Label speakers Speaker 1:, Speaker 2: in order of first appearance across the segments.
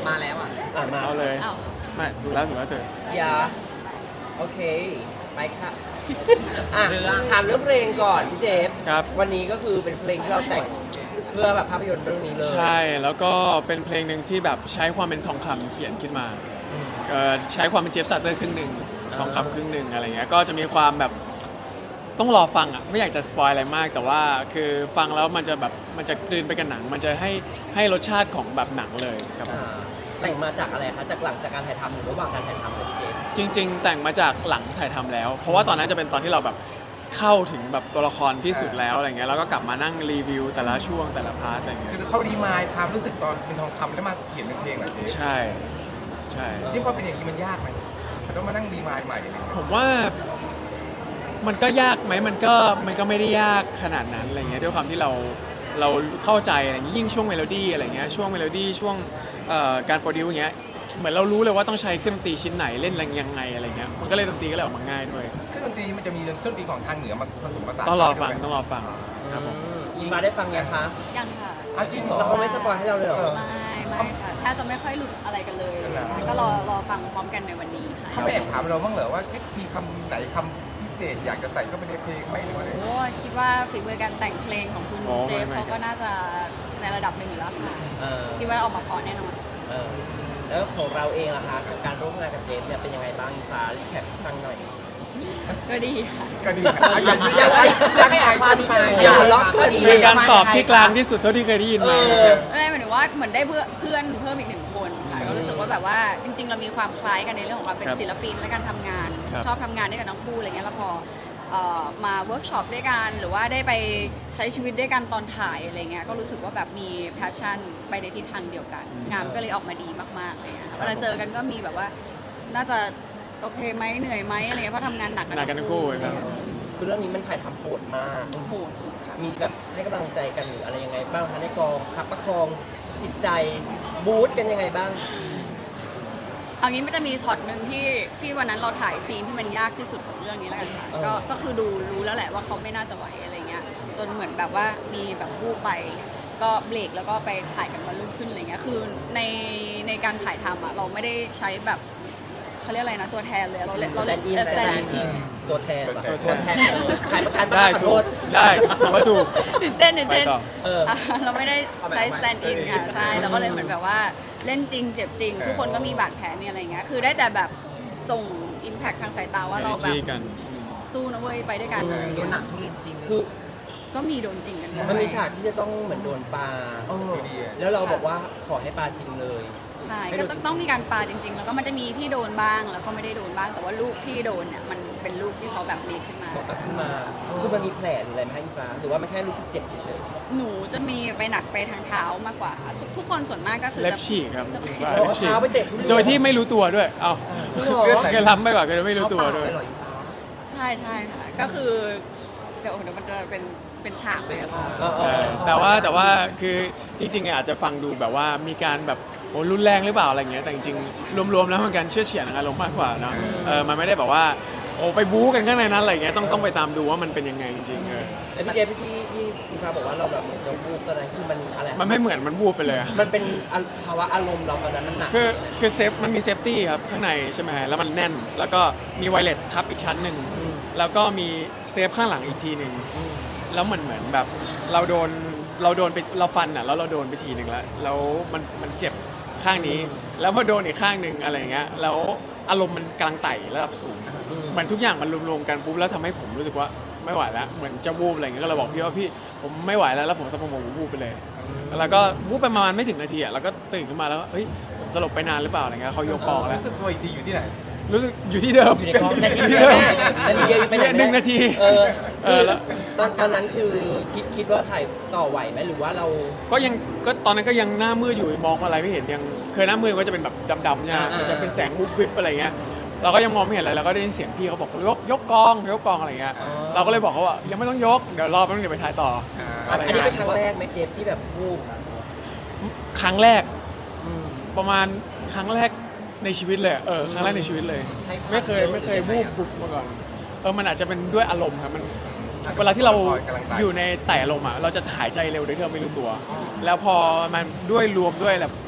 Speaker 1: มาแล้วอ่ะ
Speaker 2: มา
Speaker 3: เอาเลย
Speaker 4: อ้าว
Speaker 3: ไม่ถูกแล้วเธอ
Speaker 2: อย่าโอเค ไปค่ะอ่ะถามเรื่องเพลงก่อนพี่เจฟ
Speaker 3: ครับ
Speaker 2: วันนี้ก็คือเป็นเพลงที่เราแต่งเพื่อแบบภาพยนตร์เรื่องนี้เลย
Speaker 3: ใช่แล้วก็เป็นเพลงหนึ่งที่แบบใช้ความเป็นทองคำเขียนขึ้นมาใช้ความเป็นเจฟซัตเตอร์ครึ่งหนึ่งทองคำครึ่งหนึ่งอะไรเงี้ยก็จะมีความแบบต้องรอฟังอ่ะไม่อยากจะสปอยอะไรมาก แต่ว่าคือฟังแล้วมันจะแบบมันจะกลืนไปกับหนัง มันจะให้รสชาติของแบบหนังเลยครับ
Speaker 2: แต่งมาจากอะไรคะจากหลังจากการถ่ายทำหรือระหว่างการถ่ายทำเลยพี่เจฟ
Speaker 3: จริง ๆ แต่งมาจากหลังถ่ายทำแล้ว เพราะว่าตอนนั้นจะเป็นตอนที่เราแบบเข้าถึงแบบตัวละครที่สุดแล้วอะไรเงี้ยแล้วก็กลับมานั่งรีวิวแต่ละช่วงแต่ละพาร์ทอะไรเงี้ย
Speaker 1: คือเขาดีมายความรู้สึกตอนเป็นทองคำแล้วมาเขียนเป็นเพลงเหรอเจ๊
Speaker 3: ใช่ใช่
Speaker 1: ที่พอเป็นอย่างนี้มันยากไหมเขาต้องมานั่งดีมายใหม่อะไรเงี้ย
Speaker 3: ผมว่ามันก็ยากไหมมันก็ไม่ได้ยากขนาดนั้นอะไรเงี้ยด้วยความที่เราเข้าใจอะไรเงี้ยยิ่งช่วงเมโลดี้อะไรเงี้ยช่วงเมโลดี้ช่วงการโปรดิวอย่างเงี้ยเหมือนเรารู้เลยว่าต้องใช้เครื่องดนตรีชิ้นไหนเล่นอะไรยังไงอะไรเงี้ยมันก็เลยดนตรีก็เลยออกมาง่ายด้วย
Speaker 1: เครื่องดนตรีมันจะมีเครื่องดนตรีของทางเหนือมาผสมผสาน
Speaker 3: ต้องรอฟัง
Speaker 1: ด้วย
Speaker 3: ต้องรอฟังครับผม
Speaker 2: อีฟ้าได้ฟังยังคะ
Speaker 4: ยังค่ะ
Speaker 1: อ้าวจริงเหรอ
Speaker 2: แล้วเขาไม่สปอยให้เราเลยเหรอ
Speaker 4: ไม่ค่ะแทบจะไม่ค่อยหลุดอะไรกันเลย
Speaker 1: เหรอ
Speaker 4: ก็รอฟังพร้อมกันในวันนี้ค่ะ
Speaker 1: เขาไม่แอบถามเราบ้างเหรอว่ามีคำไหนคำพิเศษอยากจะใส่เข้าไปในเพลงไหมหรือว่าอะไร
Speaker 4: โอ้คิดว่าฝีมือการแต่งเพลงของคุณ
Speaker 3: โอ้
Speaker 4: เจฟ
Speaker 3: ไม่
Speaker 4: เขาก็น่าจะในระดับหนึ่งอยู่แล้วค่ะ
Speaker 2: เออ
Speaker 4: คิดว่าออกมาเพราะแน่นอน
Speaker 2: เออแล้วของเราเองล่ะคะกับการร่วมงานกับเจฟเนี่ยเป็นยังไงบ้างอีฟ้ารีแคปให้ฟังหน่อย
Speaker 4: ก็ดีค่ะ
Speaker 1: ก็ดีนะอย่าไม่อ่านความไป
Speaker 2: อย่าล็อกก็ดี
Speaker 3: เป็นการตอบที่กลางที่สุดเท่าที่เคยได้ยินมา
Speaker 4: ไม่หมายถึงว่าเหมือนได้เพื่อนเพิ่มอีกหนึ่งคนค่ะก็รู้สึกว่าแบบว่าจริง ๆ เรามีความคล้ายกันในเรื่องของความเป็น
Speaker 3: ครับ
Speaker 4: ศิลปินและการทำงาน
Speaker 3: ครับ
Speaker 4: ชอบทำงานด้วยกันทั้งคู่อะไรเงี้ยแล้วพอมาเวิร์กช็อปด้วยกันหรือว่าได้ไปใช้ชีวิตด้วยกันตอนถ่ายอะไรเงี้ยก็รู้สึกว่าแบบมีแพชชั่นไปในทิศทางเดียวกัน งานก็เลยออกมาดีมากๆเลยค่ะเวลาเจอกันก็มีแบบว่าน่าจะโอเคไหมเหนื่อยไหมอะไรเงี้ยเพราะทำงานหนัก
Speaker 3: หนักกันทั้งคู่ครับ
Speaker 2: คือเรื่องนี้มันถ่ายทำโหดมาก
Speaker 4: โหดค่ะ
Speaker 2: มีแบบให้กำลังใจกันหรืออะไรยังไงบ้างคะในกองคับประคองจิตใจบูสต์กันยังไงบ้าง
Speaker 4: เอางี้มันจะมีช็อตหนึ่งที่วันนั้นเราถ่ายซีนที่มันยากที่สุดของเรื่องนี้แล้วกันค่ะ
Speaker 2: เออ
Speaker 4: ก็คือดูรู้แล้วแหละว่าเขาไม่น่าจะไหวอะไรเงี้ยจนเหมือนแบบว่ามีแบบวูบไป ก็เบรกแล้วก็ไปถ่ายกันวันรุ่งขึ้นอะไรเงี้ยคือในการถ่ายทำอ่ะเราไม่ได้ใช้แบบเขาเรียกอะไรนะตัวแทนเลยเราเล่น
Speaker 2: สแตนด์อิน
Speaker 4: สแตนด์อิน
Speaker 2: ตัวแทนปะ
Speaker 3: ตัวแทน
Speaker 2: ขายประกันปะ
Speaker 3: ได้
Speaker 2: ขอ
Speaker 3: ถู
Speaker 2: โท
Speaker 3: ก
Speaker 2: ษ
Speaker 3: ได้ถือว่าถูก
Speaker 4: ตื่นเต้น
Speaker 3: ไปต่อ
Speaker 2: เออ
Speaker 4: เราไม่ได้ใช้สแตนด์อินค่ะใช่เราก็เลยเหมือนแบบว่าเล่นจริงเจ็บจริง ทุกคนก็มีบาดแผลมีอะไรเงี้ยคือได้แต่แบบส่งอิมแพคทางสายตาว่าเราแบบ
Speaker 3: กัน
Speaker 4: สู้นะเว้ยไปด้วยกันอะไร
Speaker 1: โด
Speaker 4: เงี้
Speaker 1: น
Speaker 4: ย
Speaker 1: หนักทุเรียนจริง
Speaker 2: คือ
Speaker 4: ก็มีโดนจริงกันด้วย
Speaker 2: มันมีฉากที่จะต้องเหมือนโดนปลา
Speaker 1: ดี
Speaker 2: แล้วเราบอกว่าขอให้ปลาจริงเลย
Speaker 4: ใช่ก็ต้องมีการปาจริง ๆ แล้วก็มันจะมีที่โดนบ้างแล้วก็ไม่ได้โดนบ้าง แต่ว่าลูกที่โดนเนี่ยมันเป็นลูกที่เขาแบบมีขึ้นมา
Speaker 2: บอกขึ้นมา คือมันมีแผลหรืออะไรไหมคะอีฟ้า หรือว่ามันแค่รู้สึกเจ็บเฉย
Speaker 4: หนูจะมีไปหนักไปทางเท้ามากกว่าค่ะทุกคนส่วนมากก็คือ
Speaker 3: เล็บ
Speaker 4: จะ
Speaker 3: ฉีกครับ
Speaker 4: จะ
Speaker 2: ๆ
Speaker 3: เล็บฉีก
Speaker 2: เท้าไปเตะทุเรียน
Speaker 3: โดยที่ไม่รู้ตัวด้วย เอ้า
Speaker 2: จริงเหรอ
Speaker 3: เคยล้ำไปกว่าเคยไม่รู้ตัวด้วย
Speaker 4: ใช่ใช่ค่ะก็คือเดี๋ยวมันจะเป็นฉากเลยอะ
Speaker 2: เออเออ
Speaker 3: แต่ว่าคือจริงๆอาจจะฟังดูแบบว่ามีการแบบโอ้รุนแรงหรือเปล่าอะไรเงี้ยแต่จริงๆรวมๆแล้วมันการเชื่อเฉียดอารมณ์มากกว่าเนาะมันไม่ได้แบบว่าโอ้ไปบู๊กันข้างในนั้นอะไรเงี้ยต้องไปตามดูว่ามันเป็นยังไงจริงๆ
Speaker 2: แล้วพี่เจที่อีฟ้าบอกว่าเราแบบเหมือนจะวูบตอนนั้นคือมันอะไร
Speaker 3: มันไม่เหมือนมันบู๊ไปเลยอะ
Speaker 2: มันเป็นภาวะอารมณ์เราตอนนั้นมันหนัก
Speaker 3: คือเซฟมันมีเซฟตี้ครับข้างในใช่ไหมแล้วมันแน่น แล้วก็มีไวเลสทับอีกชั้นหนึ่งแล้วก็มีเซฟข้างหลังอีกทีหนึ่งแล้วเหมือนแบบเราโดนไปเราฟันอ่ะแล้วเราโดนไปทีหนึ่งแล้วมันเจ็บข้างนี้ แล้วพอโดนอีกข้างหนึ่งอะไรเงี้ยแล้วอารมณ์มันกำลังไต่ระดับสูงเหมือนทุกอย่างมันรวมๆกันปุ๊บแล้วทำให้ผมรู้สึกว่าไม่ไหวแล้วเหมือนจะวูบอะไรเงี้ยก็เลยบอกพี่ว่าพี่ผมไม่ไหวแล้วผมสะโพกผมวูบไปเลย แล้วก็วูบไปประมาณไม่ถึงนาทีอ่ะแล้วก็ตื่นขึ้นมาแล้วเฮ้ยผมสลบไปนานหรือเปล่าอะไรเงี้ยเขายกกองแล้ว
Speaker 1: รู้สึกตัวอีกทีอยู่ที่ไหน
Speaker 3: รู้สึกอยู่ที่เดิม
Speaker 2: อยู่ในกองนาที
Speaker 3: ที่
Speaker 2: เดียว
Speaker 3: เดิม
Speaker 2: นาทีเดียวไปไหนไม่ได้
Speaker 3: 1 นาที
Speaker 2: เออคือ
Speaker 3: แล้ว
Speaker 2: ตอนนั้นคือคิดว่าถ่ายต่อไหวไหมหรือว่าเรา
Speaker 3: ก็ตอนนั้นก็ยังหน้ามืดอยู่มองอะไรไม่เห็นยังเคยหน้ามืดก็จะเป็นแบบดำๆเนี่ยจะเป็นแสงวุบวิบอะไรเงี้ยเราก็ยังมองไม่เห็นอะไรเราก็ได้ยินเสียงพี่เขาบอกยกกองอะไรเงี้ยเราก็เลยบอกเขาว่ายังไม่ต้องยกเดี๋ยวรอแป๊บนึงเดี๋ยวไปถ่ายต่อ
Speaker 2: อันนี้เป็นครั้งแรกไหมเจฟที่แบบวูบ
Speaker 3: ครั้งแรกประมาณครั้งแรกในชีวิตเลยครั้งแรกในชีวิตเลย ไม่เคยวูบมาก่อนมันอาจจะเป็นด้วยอารมณ์ครับมันเวลาที่เราอยู่ในแต่อารมณ์อ่ะเราจะหายใจเร็วโดยที่เราไม่รู้ตัว แล้วพอมันด้วยรวมด้วยแบบ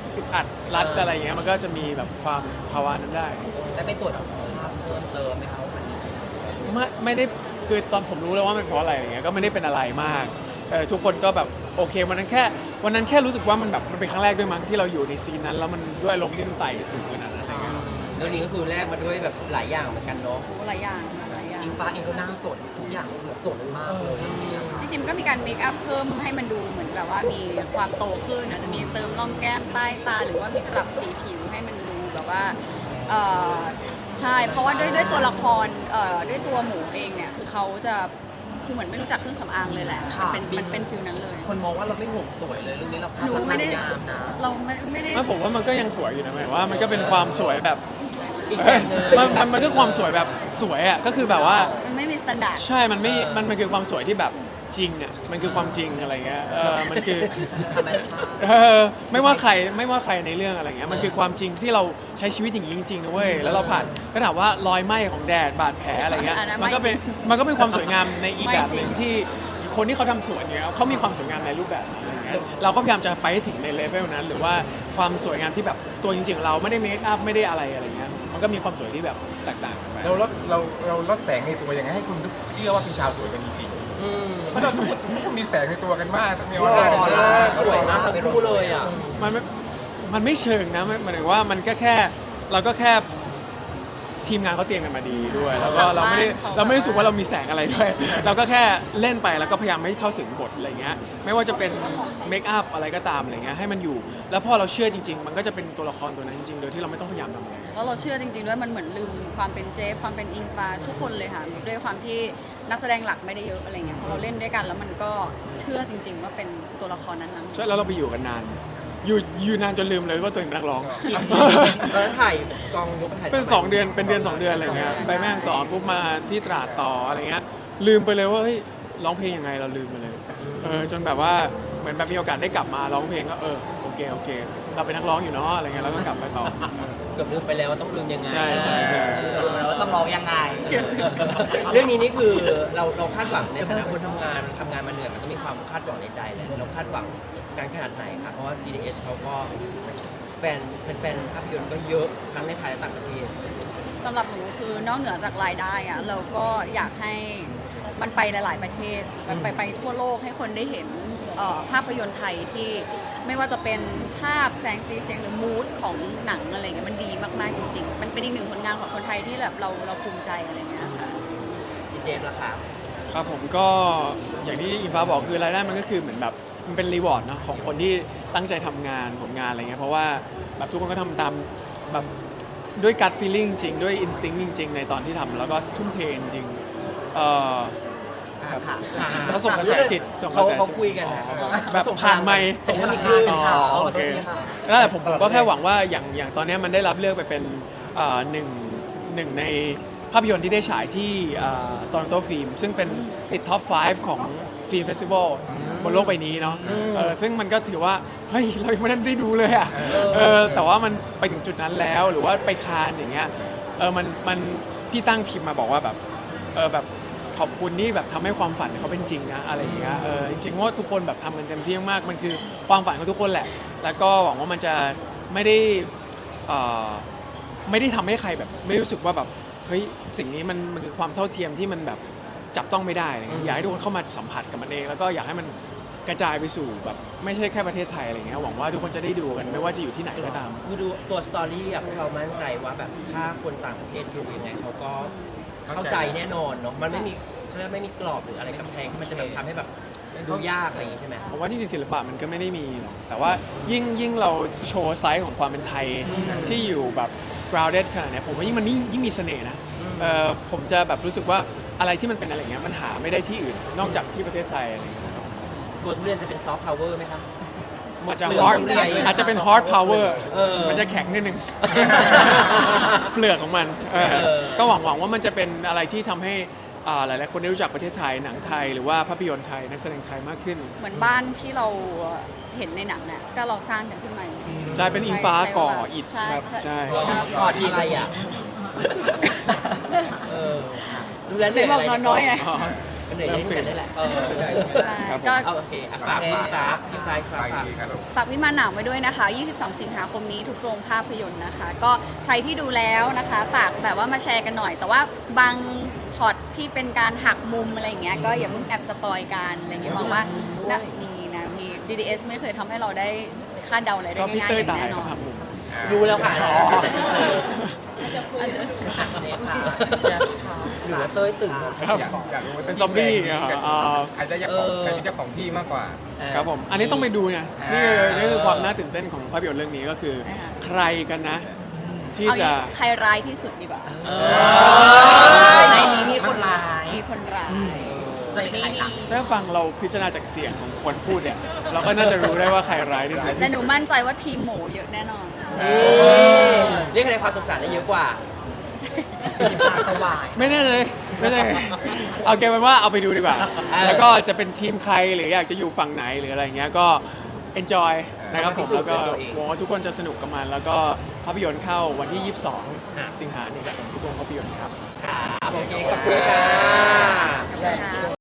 Speaker 3: อึดอัดรัดอะไรเงี้ยมันก็จะมีแบบความภาวะนั้นได้
Speaker 2: แล้วไปตรวจสุขภาพเพิ่มเติมไหมครับ
Speaker 3: ไม่ได้คือตอนผมรู้แล้วว่ามันเพราะอะไรอย่างเงี้ยก็ไม่ได้เป็นอะไรมากทุกคนก็แบบโอเควันนั้นแค่รู้สึกว่ามันแบบมันเป็นครั้งแรกด้วยมั้งที่เราอยู่ในซีนนั้นแล้วมันด้วยอารมณ์ที่มันไต่สูงขนาดนั้นอะไรเงี้ย
Speaker 2: เรื่องนี้ก็คือแลกมาด้วยแบบหลายอย่างเหมือนกันเนาะ
Speaker 4: โอ้หลายอย่างหลายอย่าง
Speaker 2: อิงฟ้าเองก็หน้าสดทุกอย่างคือสดมากเลย
Speaker 4: จริงๆก็มีการเมคอัพเพิ่มให้มันดูเหมือนแบบว่ามีความโตขึ้นอาจจะมีเติมร่องแก้มใต้ตาหรือว่ามีปรับสีผิวให้มันดูแบบว่าเอ่อใช่เพราะว่าด้วยตัวละครด้วยตัวหมูเองเนี่ยคือเขาจะคือเหมือนไม่รู้จักเครื่องสำอางเลยแหละมันเป็นฟิลนั้นเลย
Speaker 2: คนมองว่าเราไม่ห่วงสวยเลยเรื่องนี้เราพา
Speaker 4: หนู
Speaker 2: พ
Speaker 4: ไม่ได้
Speaker 2: ยายามนะ
Speaker 4: เราไม่ได้
Speaker 3: ไม่ผมว่ามันก็ยังสวยอยู่นะหมายว่ามันก็เป็นความสวยแบบ
Speaker 2: อีกแบบหนึง
Speaker 3: มันก็ความสวยแบบสวยอ่ะก็คือแบบว่า
Speaker 4: มันไม่มีมาตรฐาน
Speaker 3: ใช่มันคือความสวยที่แบบจริงอ่ะมันคือความจริงอะไรเงี้ยมันคือ
Speaker 2: ธรรมชาติ
Speaker 3: ไม่ว่าใครในเรื่องอะไรเงี้ยมันคือความจริงที่เราใช้ชีวิตอย่างนี้จริงๆนะเว้ยแล้วเราผ่านก็ถามว่ารอยไหม้ของแดดบาดแผลอะไรเงี้ยมันก็เป็นความสวยงามในอีกแบบหนึ่งที่คนที่เขาทำสวนเนี่ยเขามีความสวยงามในรูปแบบนี้อะไรเงี้ยเราก็พยายามจะไปให้ถึงในเลเวลนั้น หรือว่าความสวยงามที่แบบตัวจริงๆของเราไม่ได้เมคอัพไม่ได้อะไรอะไรเงี้ยมันก็มีความสวยที่แบบแตกต่างกันไป
Speaker 1: เราลดแสงในตัวยังไงให้คุณเชื่อว่าเป็นชาวสวยกันจริงๆเพราะเราทุกคนมีแสงในตัวกันมากมีออร่าในตัว
Speaker 2: สวยมากทั้งคู่เลยอ่ะ
Speaker 3: มันไม่เชิงนะหมายถึงว่ามันก็แค่เราก็แค่ทีมงานเขาเตรียมกันมาดีด้วย แล้วก็เราไม่ได้รู้สึกว่าเรามีแสงอะไรด้วย เราก็แค่เล่นไปแล้วก็พยายามให้เข้าถึงบทอะไรเงี้ยไม่ว่าจะเป็นเมคอัพอะไรก็ตามอะไรเงี้ยให้มันอยู่ แล้วพอเราเชื่อจริง ๆ มันก็จะเป็นตัวละครตัวนั้นจริงๆโดยที่เราไม่ต้องพยายามทำอะไร
Speaker 4: แล้วเราเชื่อจริงๆด้วยมันเหมือนลืมความเป็นเจฟความเป็นอิงฟ้าทุกคนเลยค่ะด้วยความที่นักแสดงหลักไม่ได้เยอะอะไรเงี้ยพอเราเล่นด้วยกันแล้วมันก็เชื่อจริง ๆ ว่าเป็นตัวละครนั้นๆ
Speaker 3: ใช่แล้วเราไปอยู่กันนานอยู่นานจนลืมเลยว่าตัวเองเป็นนักร้อง
Speaker 2: แล้วถ่ายกองยกถ่าย
Speaker 3: เป็น2 เดือนเป็นเดือน 2 เดือนอะไรเงี้ยไปแม่ฮ่องสอนปุ๊บมาที่ตราดต่ออะไรเงี้ยลืมไปเลยว่าเฮ้ยร้องเพลงยังไงเราลืมไปเลยจนแบบว่าเหมือนแบบมีโอกาสได้กลับมาร้องเพลงก็โอเคเราเป็นนักร้องอยู่เนาะอะไรเงี้ยแล้วก็กลับไปต่อ
Speaker 2: เกือบลืมไปแล้วว่าต้องลืมยังไง
Speaker 3: ใช่
Speaker 2: แล้วว่าต้องร้องยังไง เรื่องนี้นี่คือเราคาดหวังในฐานะคนทำงานมาเหนื่อยมันต้องมีความคาดหวังในใจแหละเราคาดหวังการขนาดไหนครับเพราะว่า GDH เขาก็แฟนภาพยนตร์ก็เยอะทั้งในไทยและต่างประเทศ
Speaker 4: สำหรับหนูคือนอกเหนือจากรายได้อะเราก็อยากให้มันไปหลาย ๆ ประเทศไปทั่วโลกให้คนได้เห็นภาพยนตร์ไทยที่ไม่ว่าจะเป็นภาพแสงสีเสียงหรือมูดของหนังอะไรเงี้ยมันดีมาก ๆ จริง ๆ มันเป็นอีกหนึ่งผลงานของคนไทยที่แบบเราภูมิใจอะไรเงี้ยค่ะ
Speaker 2: พี่เจมส์ล่ะครับ
Speaker 3: ครับผมก็อย่างที่อินฟ้าบอกคือรายได้มันก็คือเหมือนแบบมันเป็นรีวอร์ดเนาะของคนที่ตั้งใจทำงานผลงานอะไรเงี้ยเพราะว่าแบบทุกคนก็ทำตามแบบด้วยการ feeling จริงด้วย instinct จริง ๆ ในตอนที่ทำแล้วก็ทุ่มเทจริงเขาส่งกระแสจิตส่งกระแสจิต
Speaker 2: เขาคุยกันนะ
Speaker 3: แบบผ่านไมค์
Speaker 2: ส่งพลังงาน
Speaker 3: อ๋อ
Speaker 2: ข
Speaker 3: โอ
Speaker 2: อโท
Speaker 3: เค
Speaker 2: ษทีค่ะ
Speaker 3: นั่นแหละผมก็แค่หวังว่าอย่างตอนนี้มันได้รับเลือกไปเป็นหนึ่งในภาพยนตร์ที่ได้ฉายที่ตอนโตฟิล์มซึ่งเป็นติดท็อป 5 ของฟิล์มเฟสติวัลบนโลกใบนี้เนาะซึ่งมันก็ถือว่าเฮ้ยเรายังไม่ได้ดูเลยอ่ะแต่ว่ามันไปถึงจุดนั้นแล้วหรือว่าไปคานอย่างเงี้ยมันพี่ตั้งพิมพ์มาบอกว่าแบบแบบขอบคุณที่แบบทำให้ความฝันเขาเป็นจริงนะอะไรอย่างเงี้ยจริงๆว่าทุกคนแบบทำกันเต็มที่มากมันคือความฝันของทุกคนแหละแล้วก็หวังว่ามันจะไม่ได้ทำให้ใครแบบไม่รู้สึกว่าแบบเฮ้ยสิ่งนี้มันคือความเท่าเทียมที่มันแบบจับต้องไม่ได้อะไรเงี้ยอยากให้ทุกคนเข้ามาสัมผัสกับมันเองแล้วก็อยากให้มันกระจายไปสู่แบบไม่ใช่แค่ประเทศไทยอะไรเงี้ยหวังว่าทุกคนจะได้ดูกันไม่ว่าจะอยู่ที่ไหนก็ตาม
Speaker 2: คือดูตัวสตอรี่อะพวกเรามั่นใจว่าแบบถ้าคนต่างประเทศดูยังไงเขาก็เข้าใจแน่นอนเนาะมันไม่มีกรอบหรืออะไรกำแพงที่มันจะแบบทำให้แบบดูยากอะไรอย่างงี้ใช่ไหม
Speaker 3: ผมว่าที่จริงศิลปะมันก็ไม่ได้มีหรอกแต่ว่ายิ่งเราโชว์ไซส์ของความเป็นไทยที่อยู่แบบ grounded ขนาดเนี้ยผมว่ายิ่งมีเสน่ห์นะผมจะแบบรู้สึกว่าอะไรที่มันเป็นอะไรเงี้ยมันหาไม่ได้ที่อื่นนอกจากที่ประเทศไทยอะไรเงี้ย
Speaker 2: ตัวทุเรียนจะเป็นซอฟต์พาวเวอร์ไหมครับ
Speaker 3: อาจจะ
Speaker 2: เปลือก
Speaker 3: hard
Speaker 2: ของไทย
Speaker 3: อาจจะเป็น hard power มันจะแข็งนิดนึง เปลือกของมันก็หวังว่ามันจะเป็นอะไรที่ทำให้หลายๆคนได้รู้จักประเทศไทยหนังไทยหรือว่าภาพยนตร์ไทยนักแสดงไทยมากขึ้น
Speaker 4: เหมือนบ้านที่เราเห็นในหนังเนี่ยก็เราสร้างกันขึ้นมาจริงๆ
Speaker 3: ใช่เป็นอิงฟ้าก่ออิฐ
Speaker 4: ใช่
Speaker 3: ครับใช่
Speaker 4: ครับ
Speaker 2: กอดอะไรอ่ะดูแลเหนื่อย
Speaker 4: บ
Speaker 2: อะ
Speaker 4: อก
Speaker 2: ไร
Speaker 4: น้อยๆไง
Speaker 3: อ๋อ
Speaker 2: ก็เหนื่อยเล่นกันได้แหละ
Speaker 4: ใช่
Speaker 3: ครับผม
Speaker 4: ก็
Speaker 2: เอาโอเคอ่ะฝากพี่ฟ้าพี่ฟ้า
Speaker 1: ไป
Speaker 2: ฝาก
Speaker 1: ดีครับลูก
Speaker 4: ฝากวิมานหนาวไว้ด้วยนะคะ 22 สิงหาคมนี้ทุกโรงภาพยนตร์นะคะ ก็ใครที่ดูแล้วนะคะ ฝากแบบว่ามาแชร์กันหน่อย แต่ว่าบางช็อตที่เป็นการหักมุมอะไรอย่างเงี้ย ก็อย่าเพิ่งแอบสปอยกันอะไรเงี้ยมองว่านะมี GDS ไม่เคยทำให้เราได้คาดเดาอะไรได้
Speaker 3: ก็พี่
Speaker 4: ง่ายๆ
Speaker 3: เต้ย
Speaker 4: อย่าง
Speaker 3: ตาย
Speaker 4: แน่น
Speaker 3: ค
Speaker 4: อ
Speaker 3: รับ
Speaker 4: น
Speaker 3: ผม
Speaker 2: รู้แล้วค่ะ
Speaker 3: อ๋อ
Speaker 2: แต่ทีเซอร์หรือว่าเต้ยตื่น
Speaker 3: ครับ
Speaker 1: อยากรู้ว่า
Speaker 3: เป็นซอมบี้เหรออ๋อ
Speaker 1: ใครจะเจ้าของใครเป็นเจ้าของที่มากกว่า
Speaker 3: ครับผม อันนี้ต้องไปดูไงนี่คือความน่าตื่นเต้นของภาพยนตร์เรื่องนี้ก็คือ ใครกันนะ ที่
Speaker 4: เอาอ
Speaker 3: จะ
Speaker 4: ย่างใครร้ายที่สุดดีกว่า
Speaker 2: ในนี้มีคนร้าย
Speaker 4: มีคนร้าย
Speaker 2: จะเป็นใครล่ะ
Speaker 3: ถ้าฟังเราพิจารณาจากเสียงของคนพูดเนี่ย เราก็น่าจะรู้ได้ว่าใครร้ายที่สุด
Speaker 4: แต่หนูมั่นใจว่าทีมหมูเยอะแน่นอน
Speaker 2: เรียกคะแนนความสงสารได้เยอะกว่า
Speaker 3: ไม่แน่เลยไม่แน่เอาเกมเป็นว่าเอาไปดูดีกว่า แล้วก็จะเป็นทีมใครหรืออยากจะอยู่ฝั่งไหนหรืออะไรเงี้ยก็ enjoy นะครับผมแล้วก็หวังว่าทุกคนจะสนุกกับมัน แล้วก็ภาพยนตร์เข้าวันที่ 22 สิงหาคมนี้ครับผมทุกโรงภาพยนตร์ครับ
Speaker 2: ครับโอเคขอบคุณค่ะ
Speaker 4: ค่ะ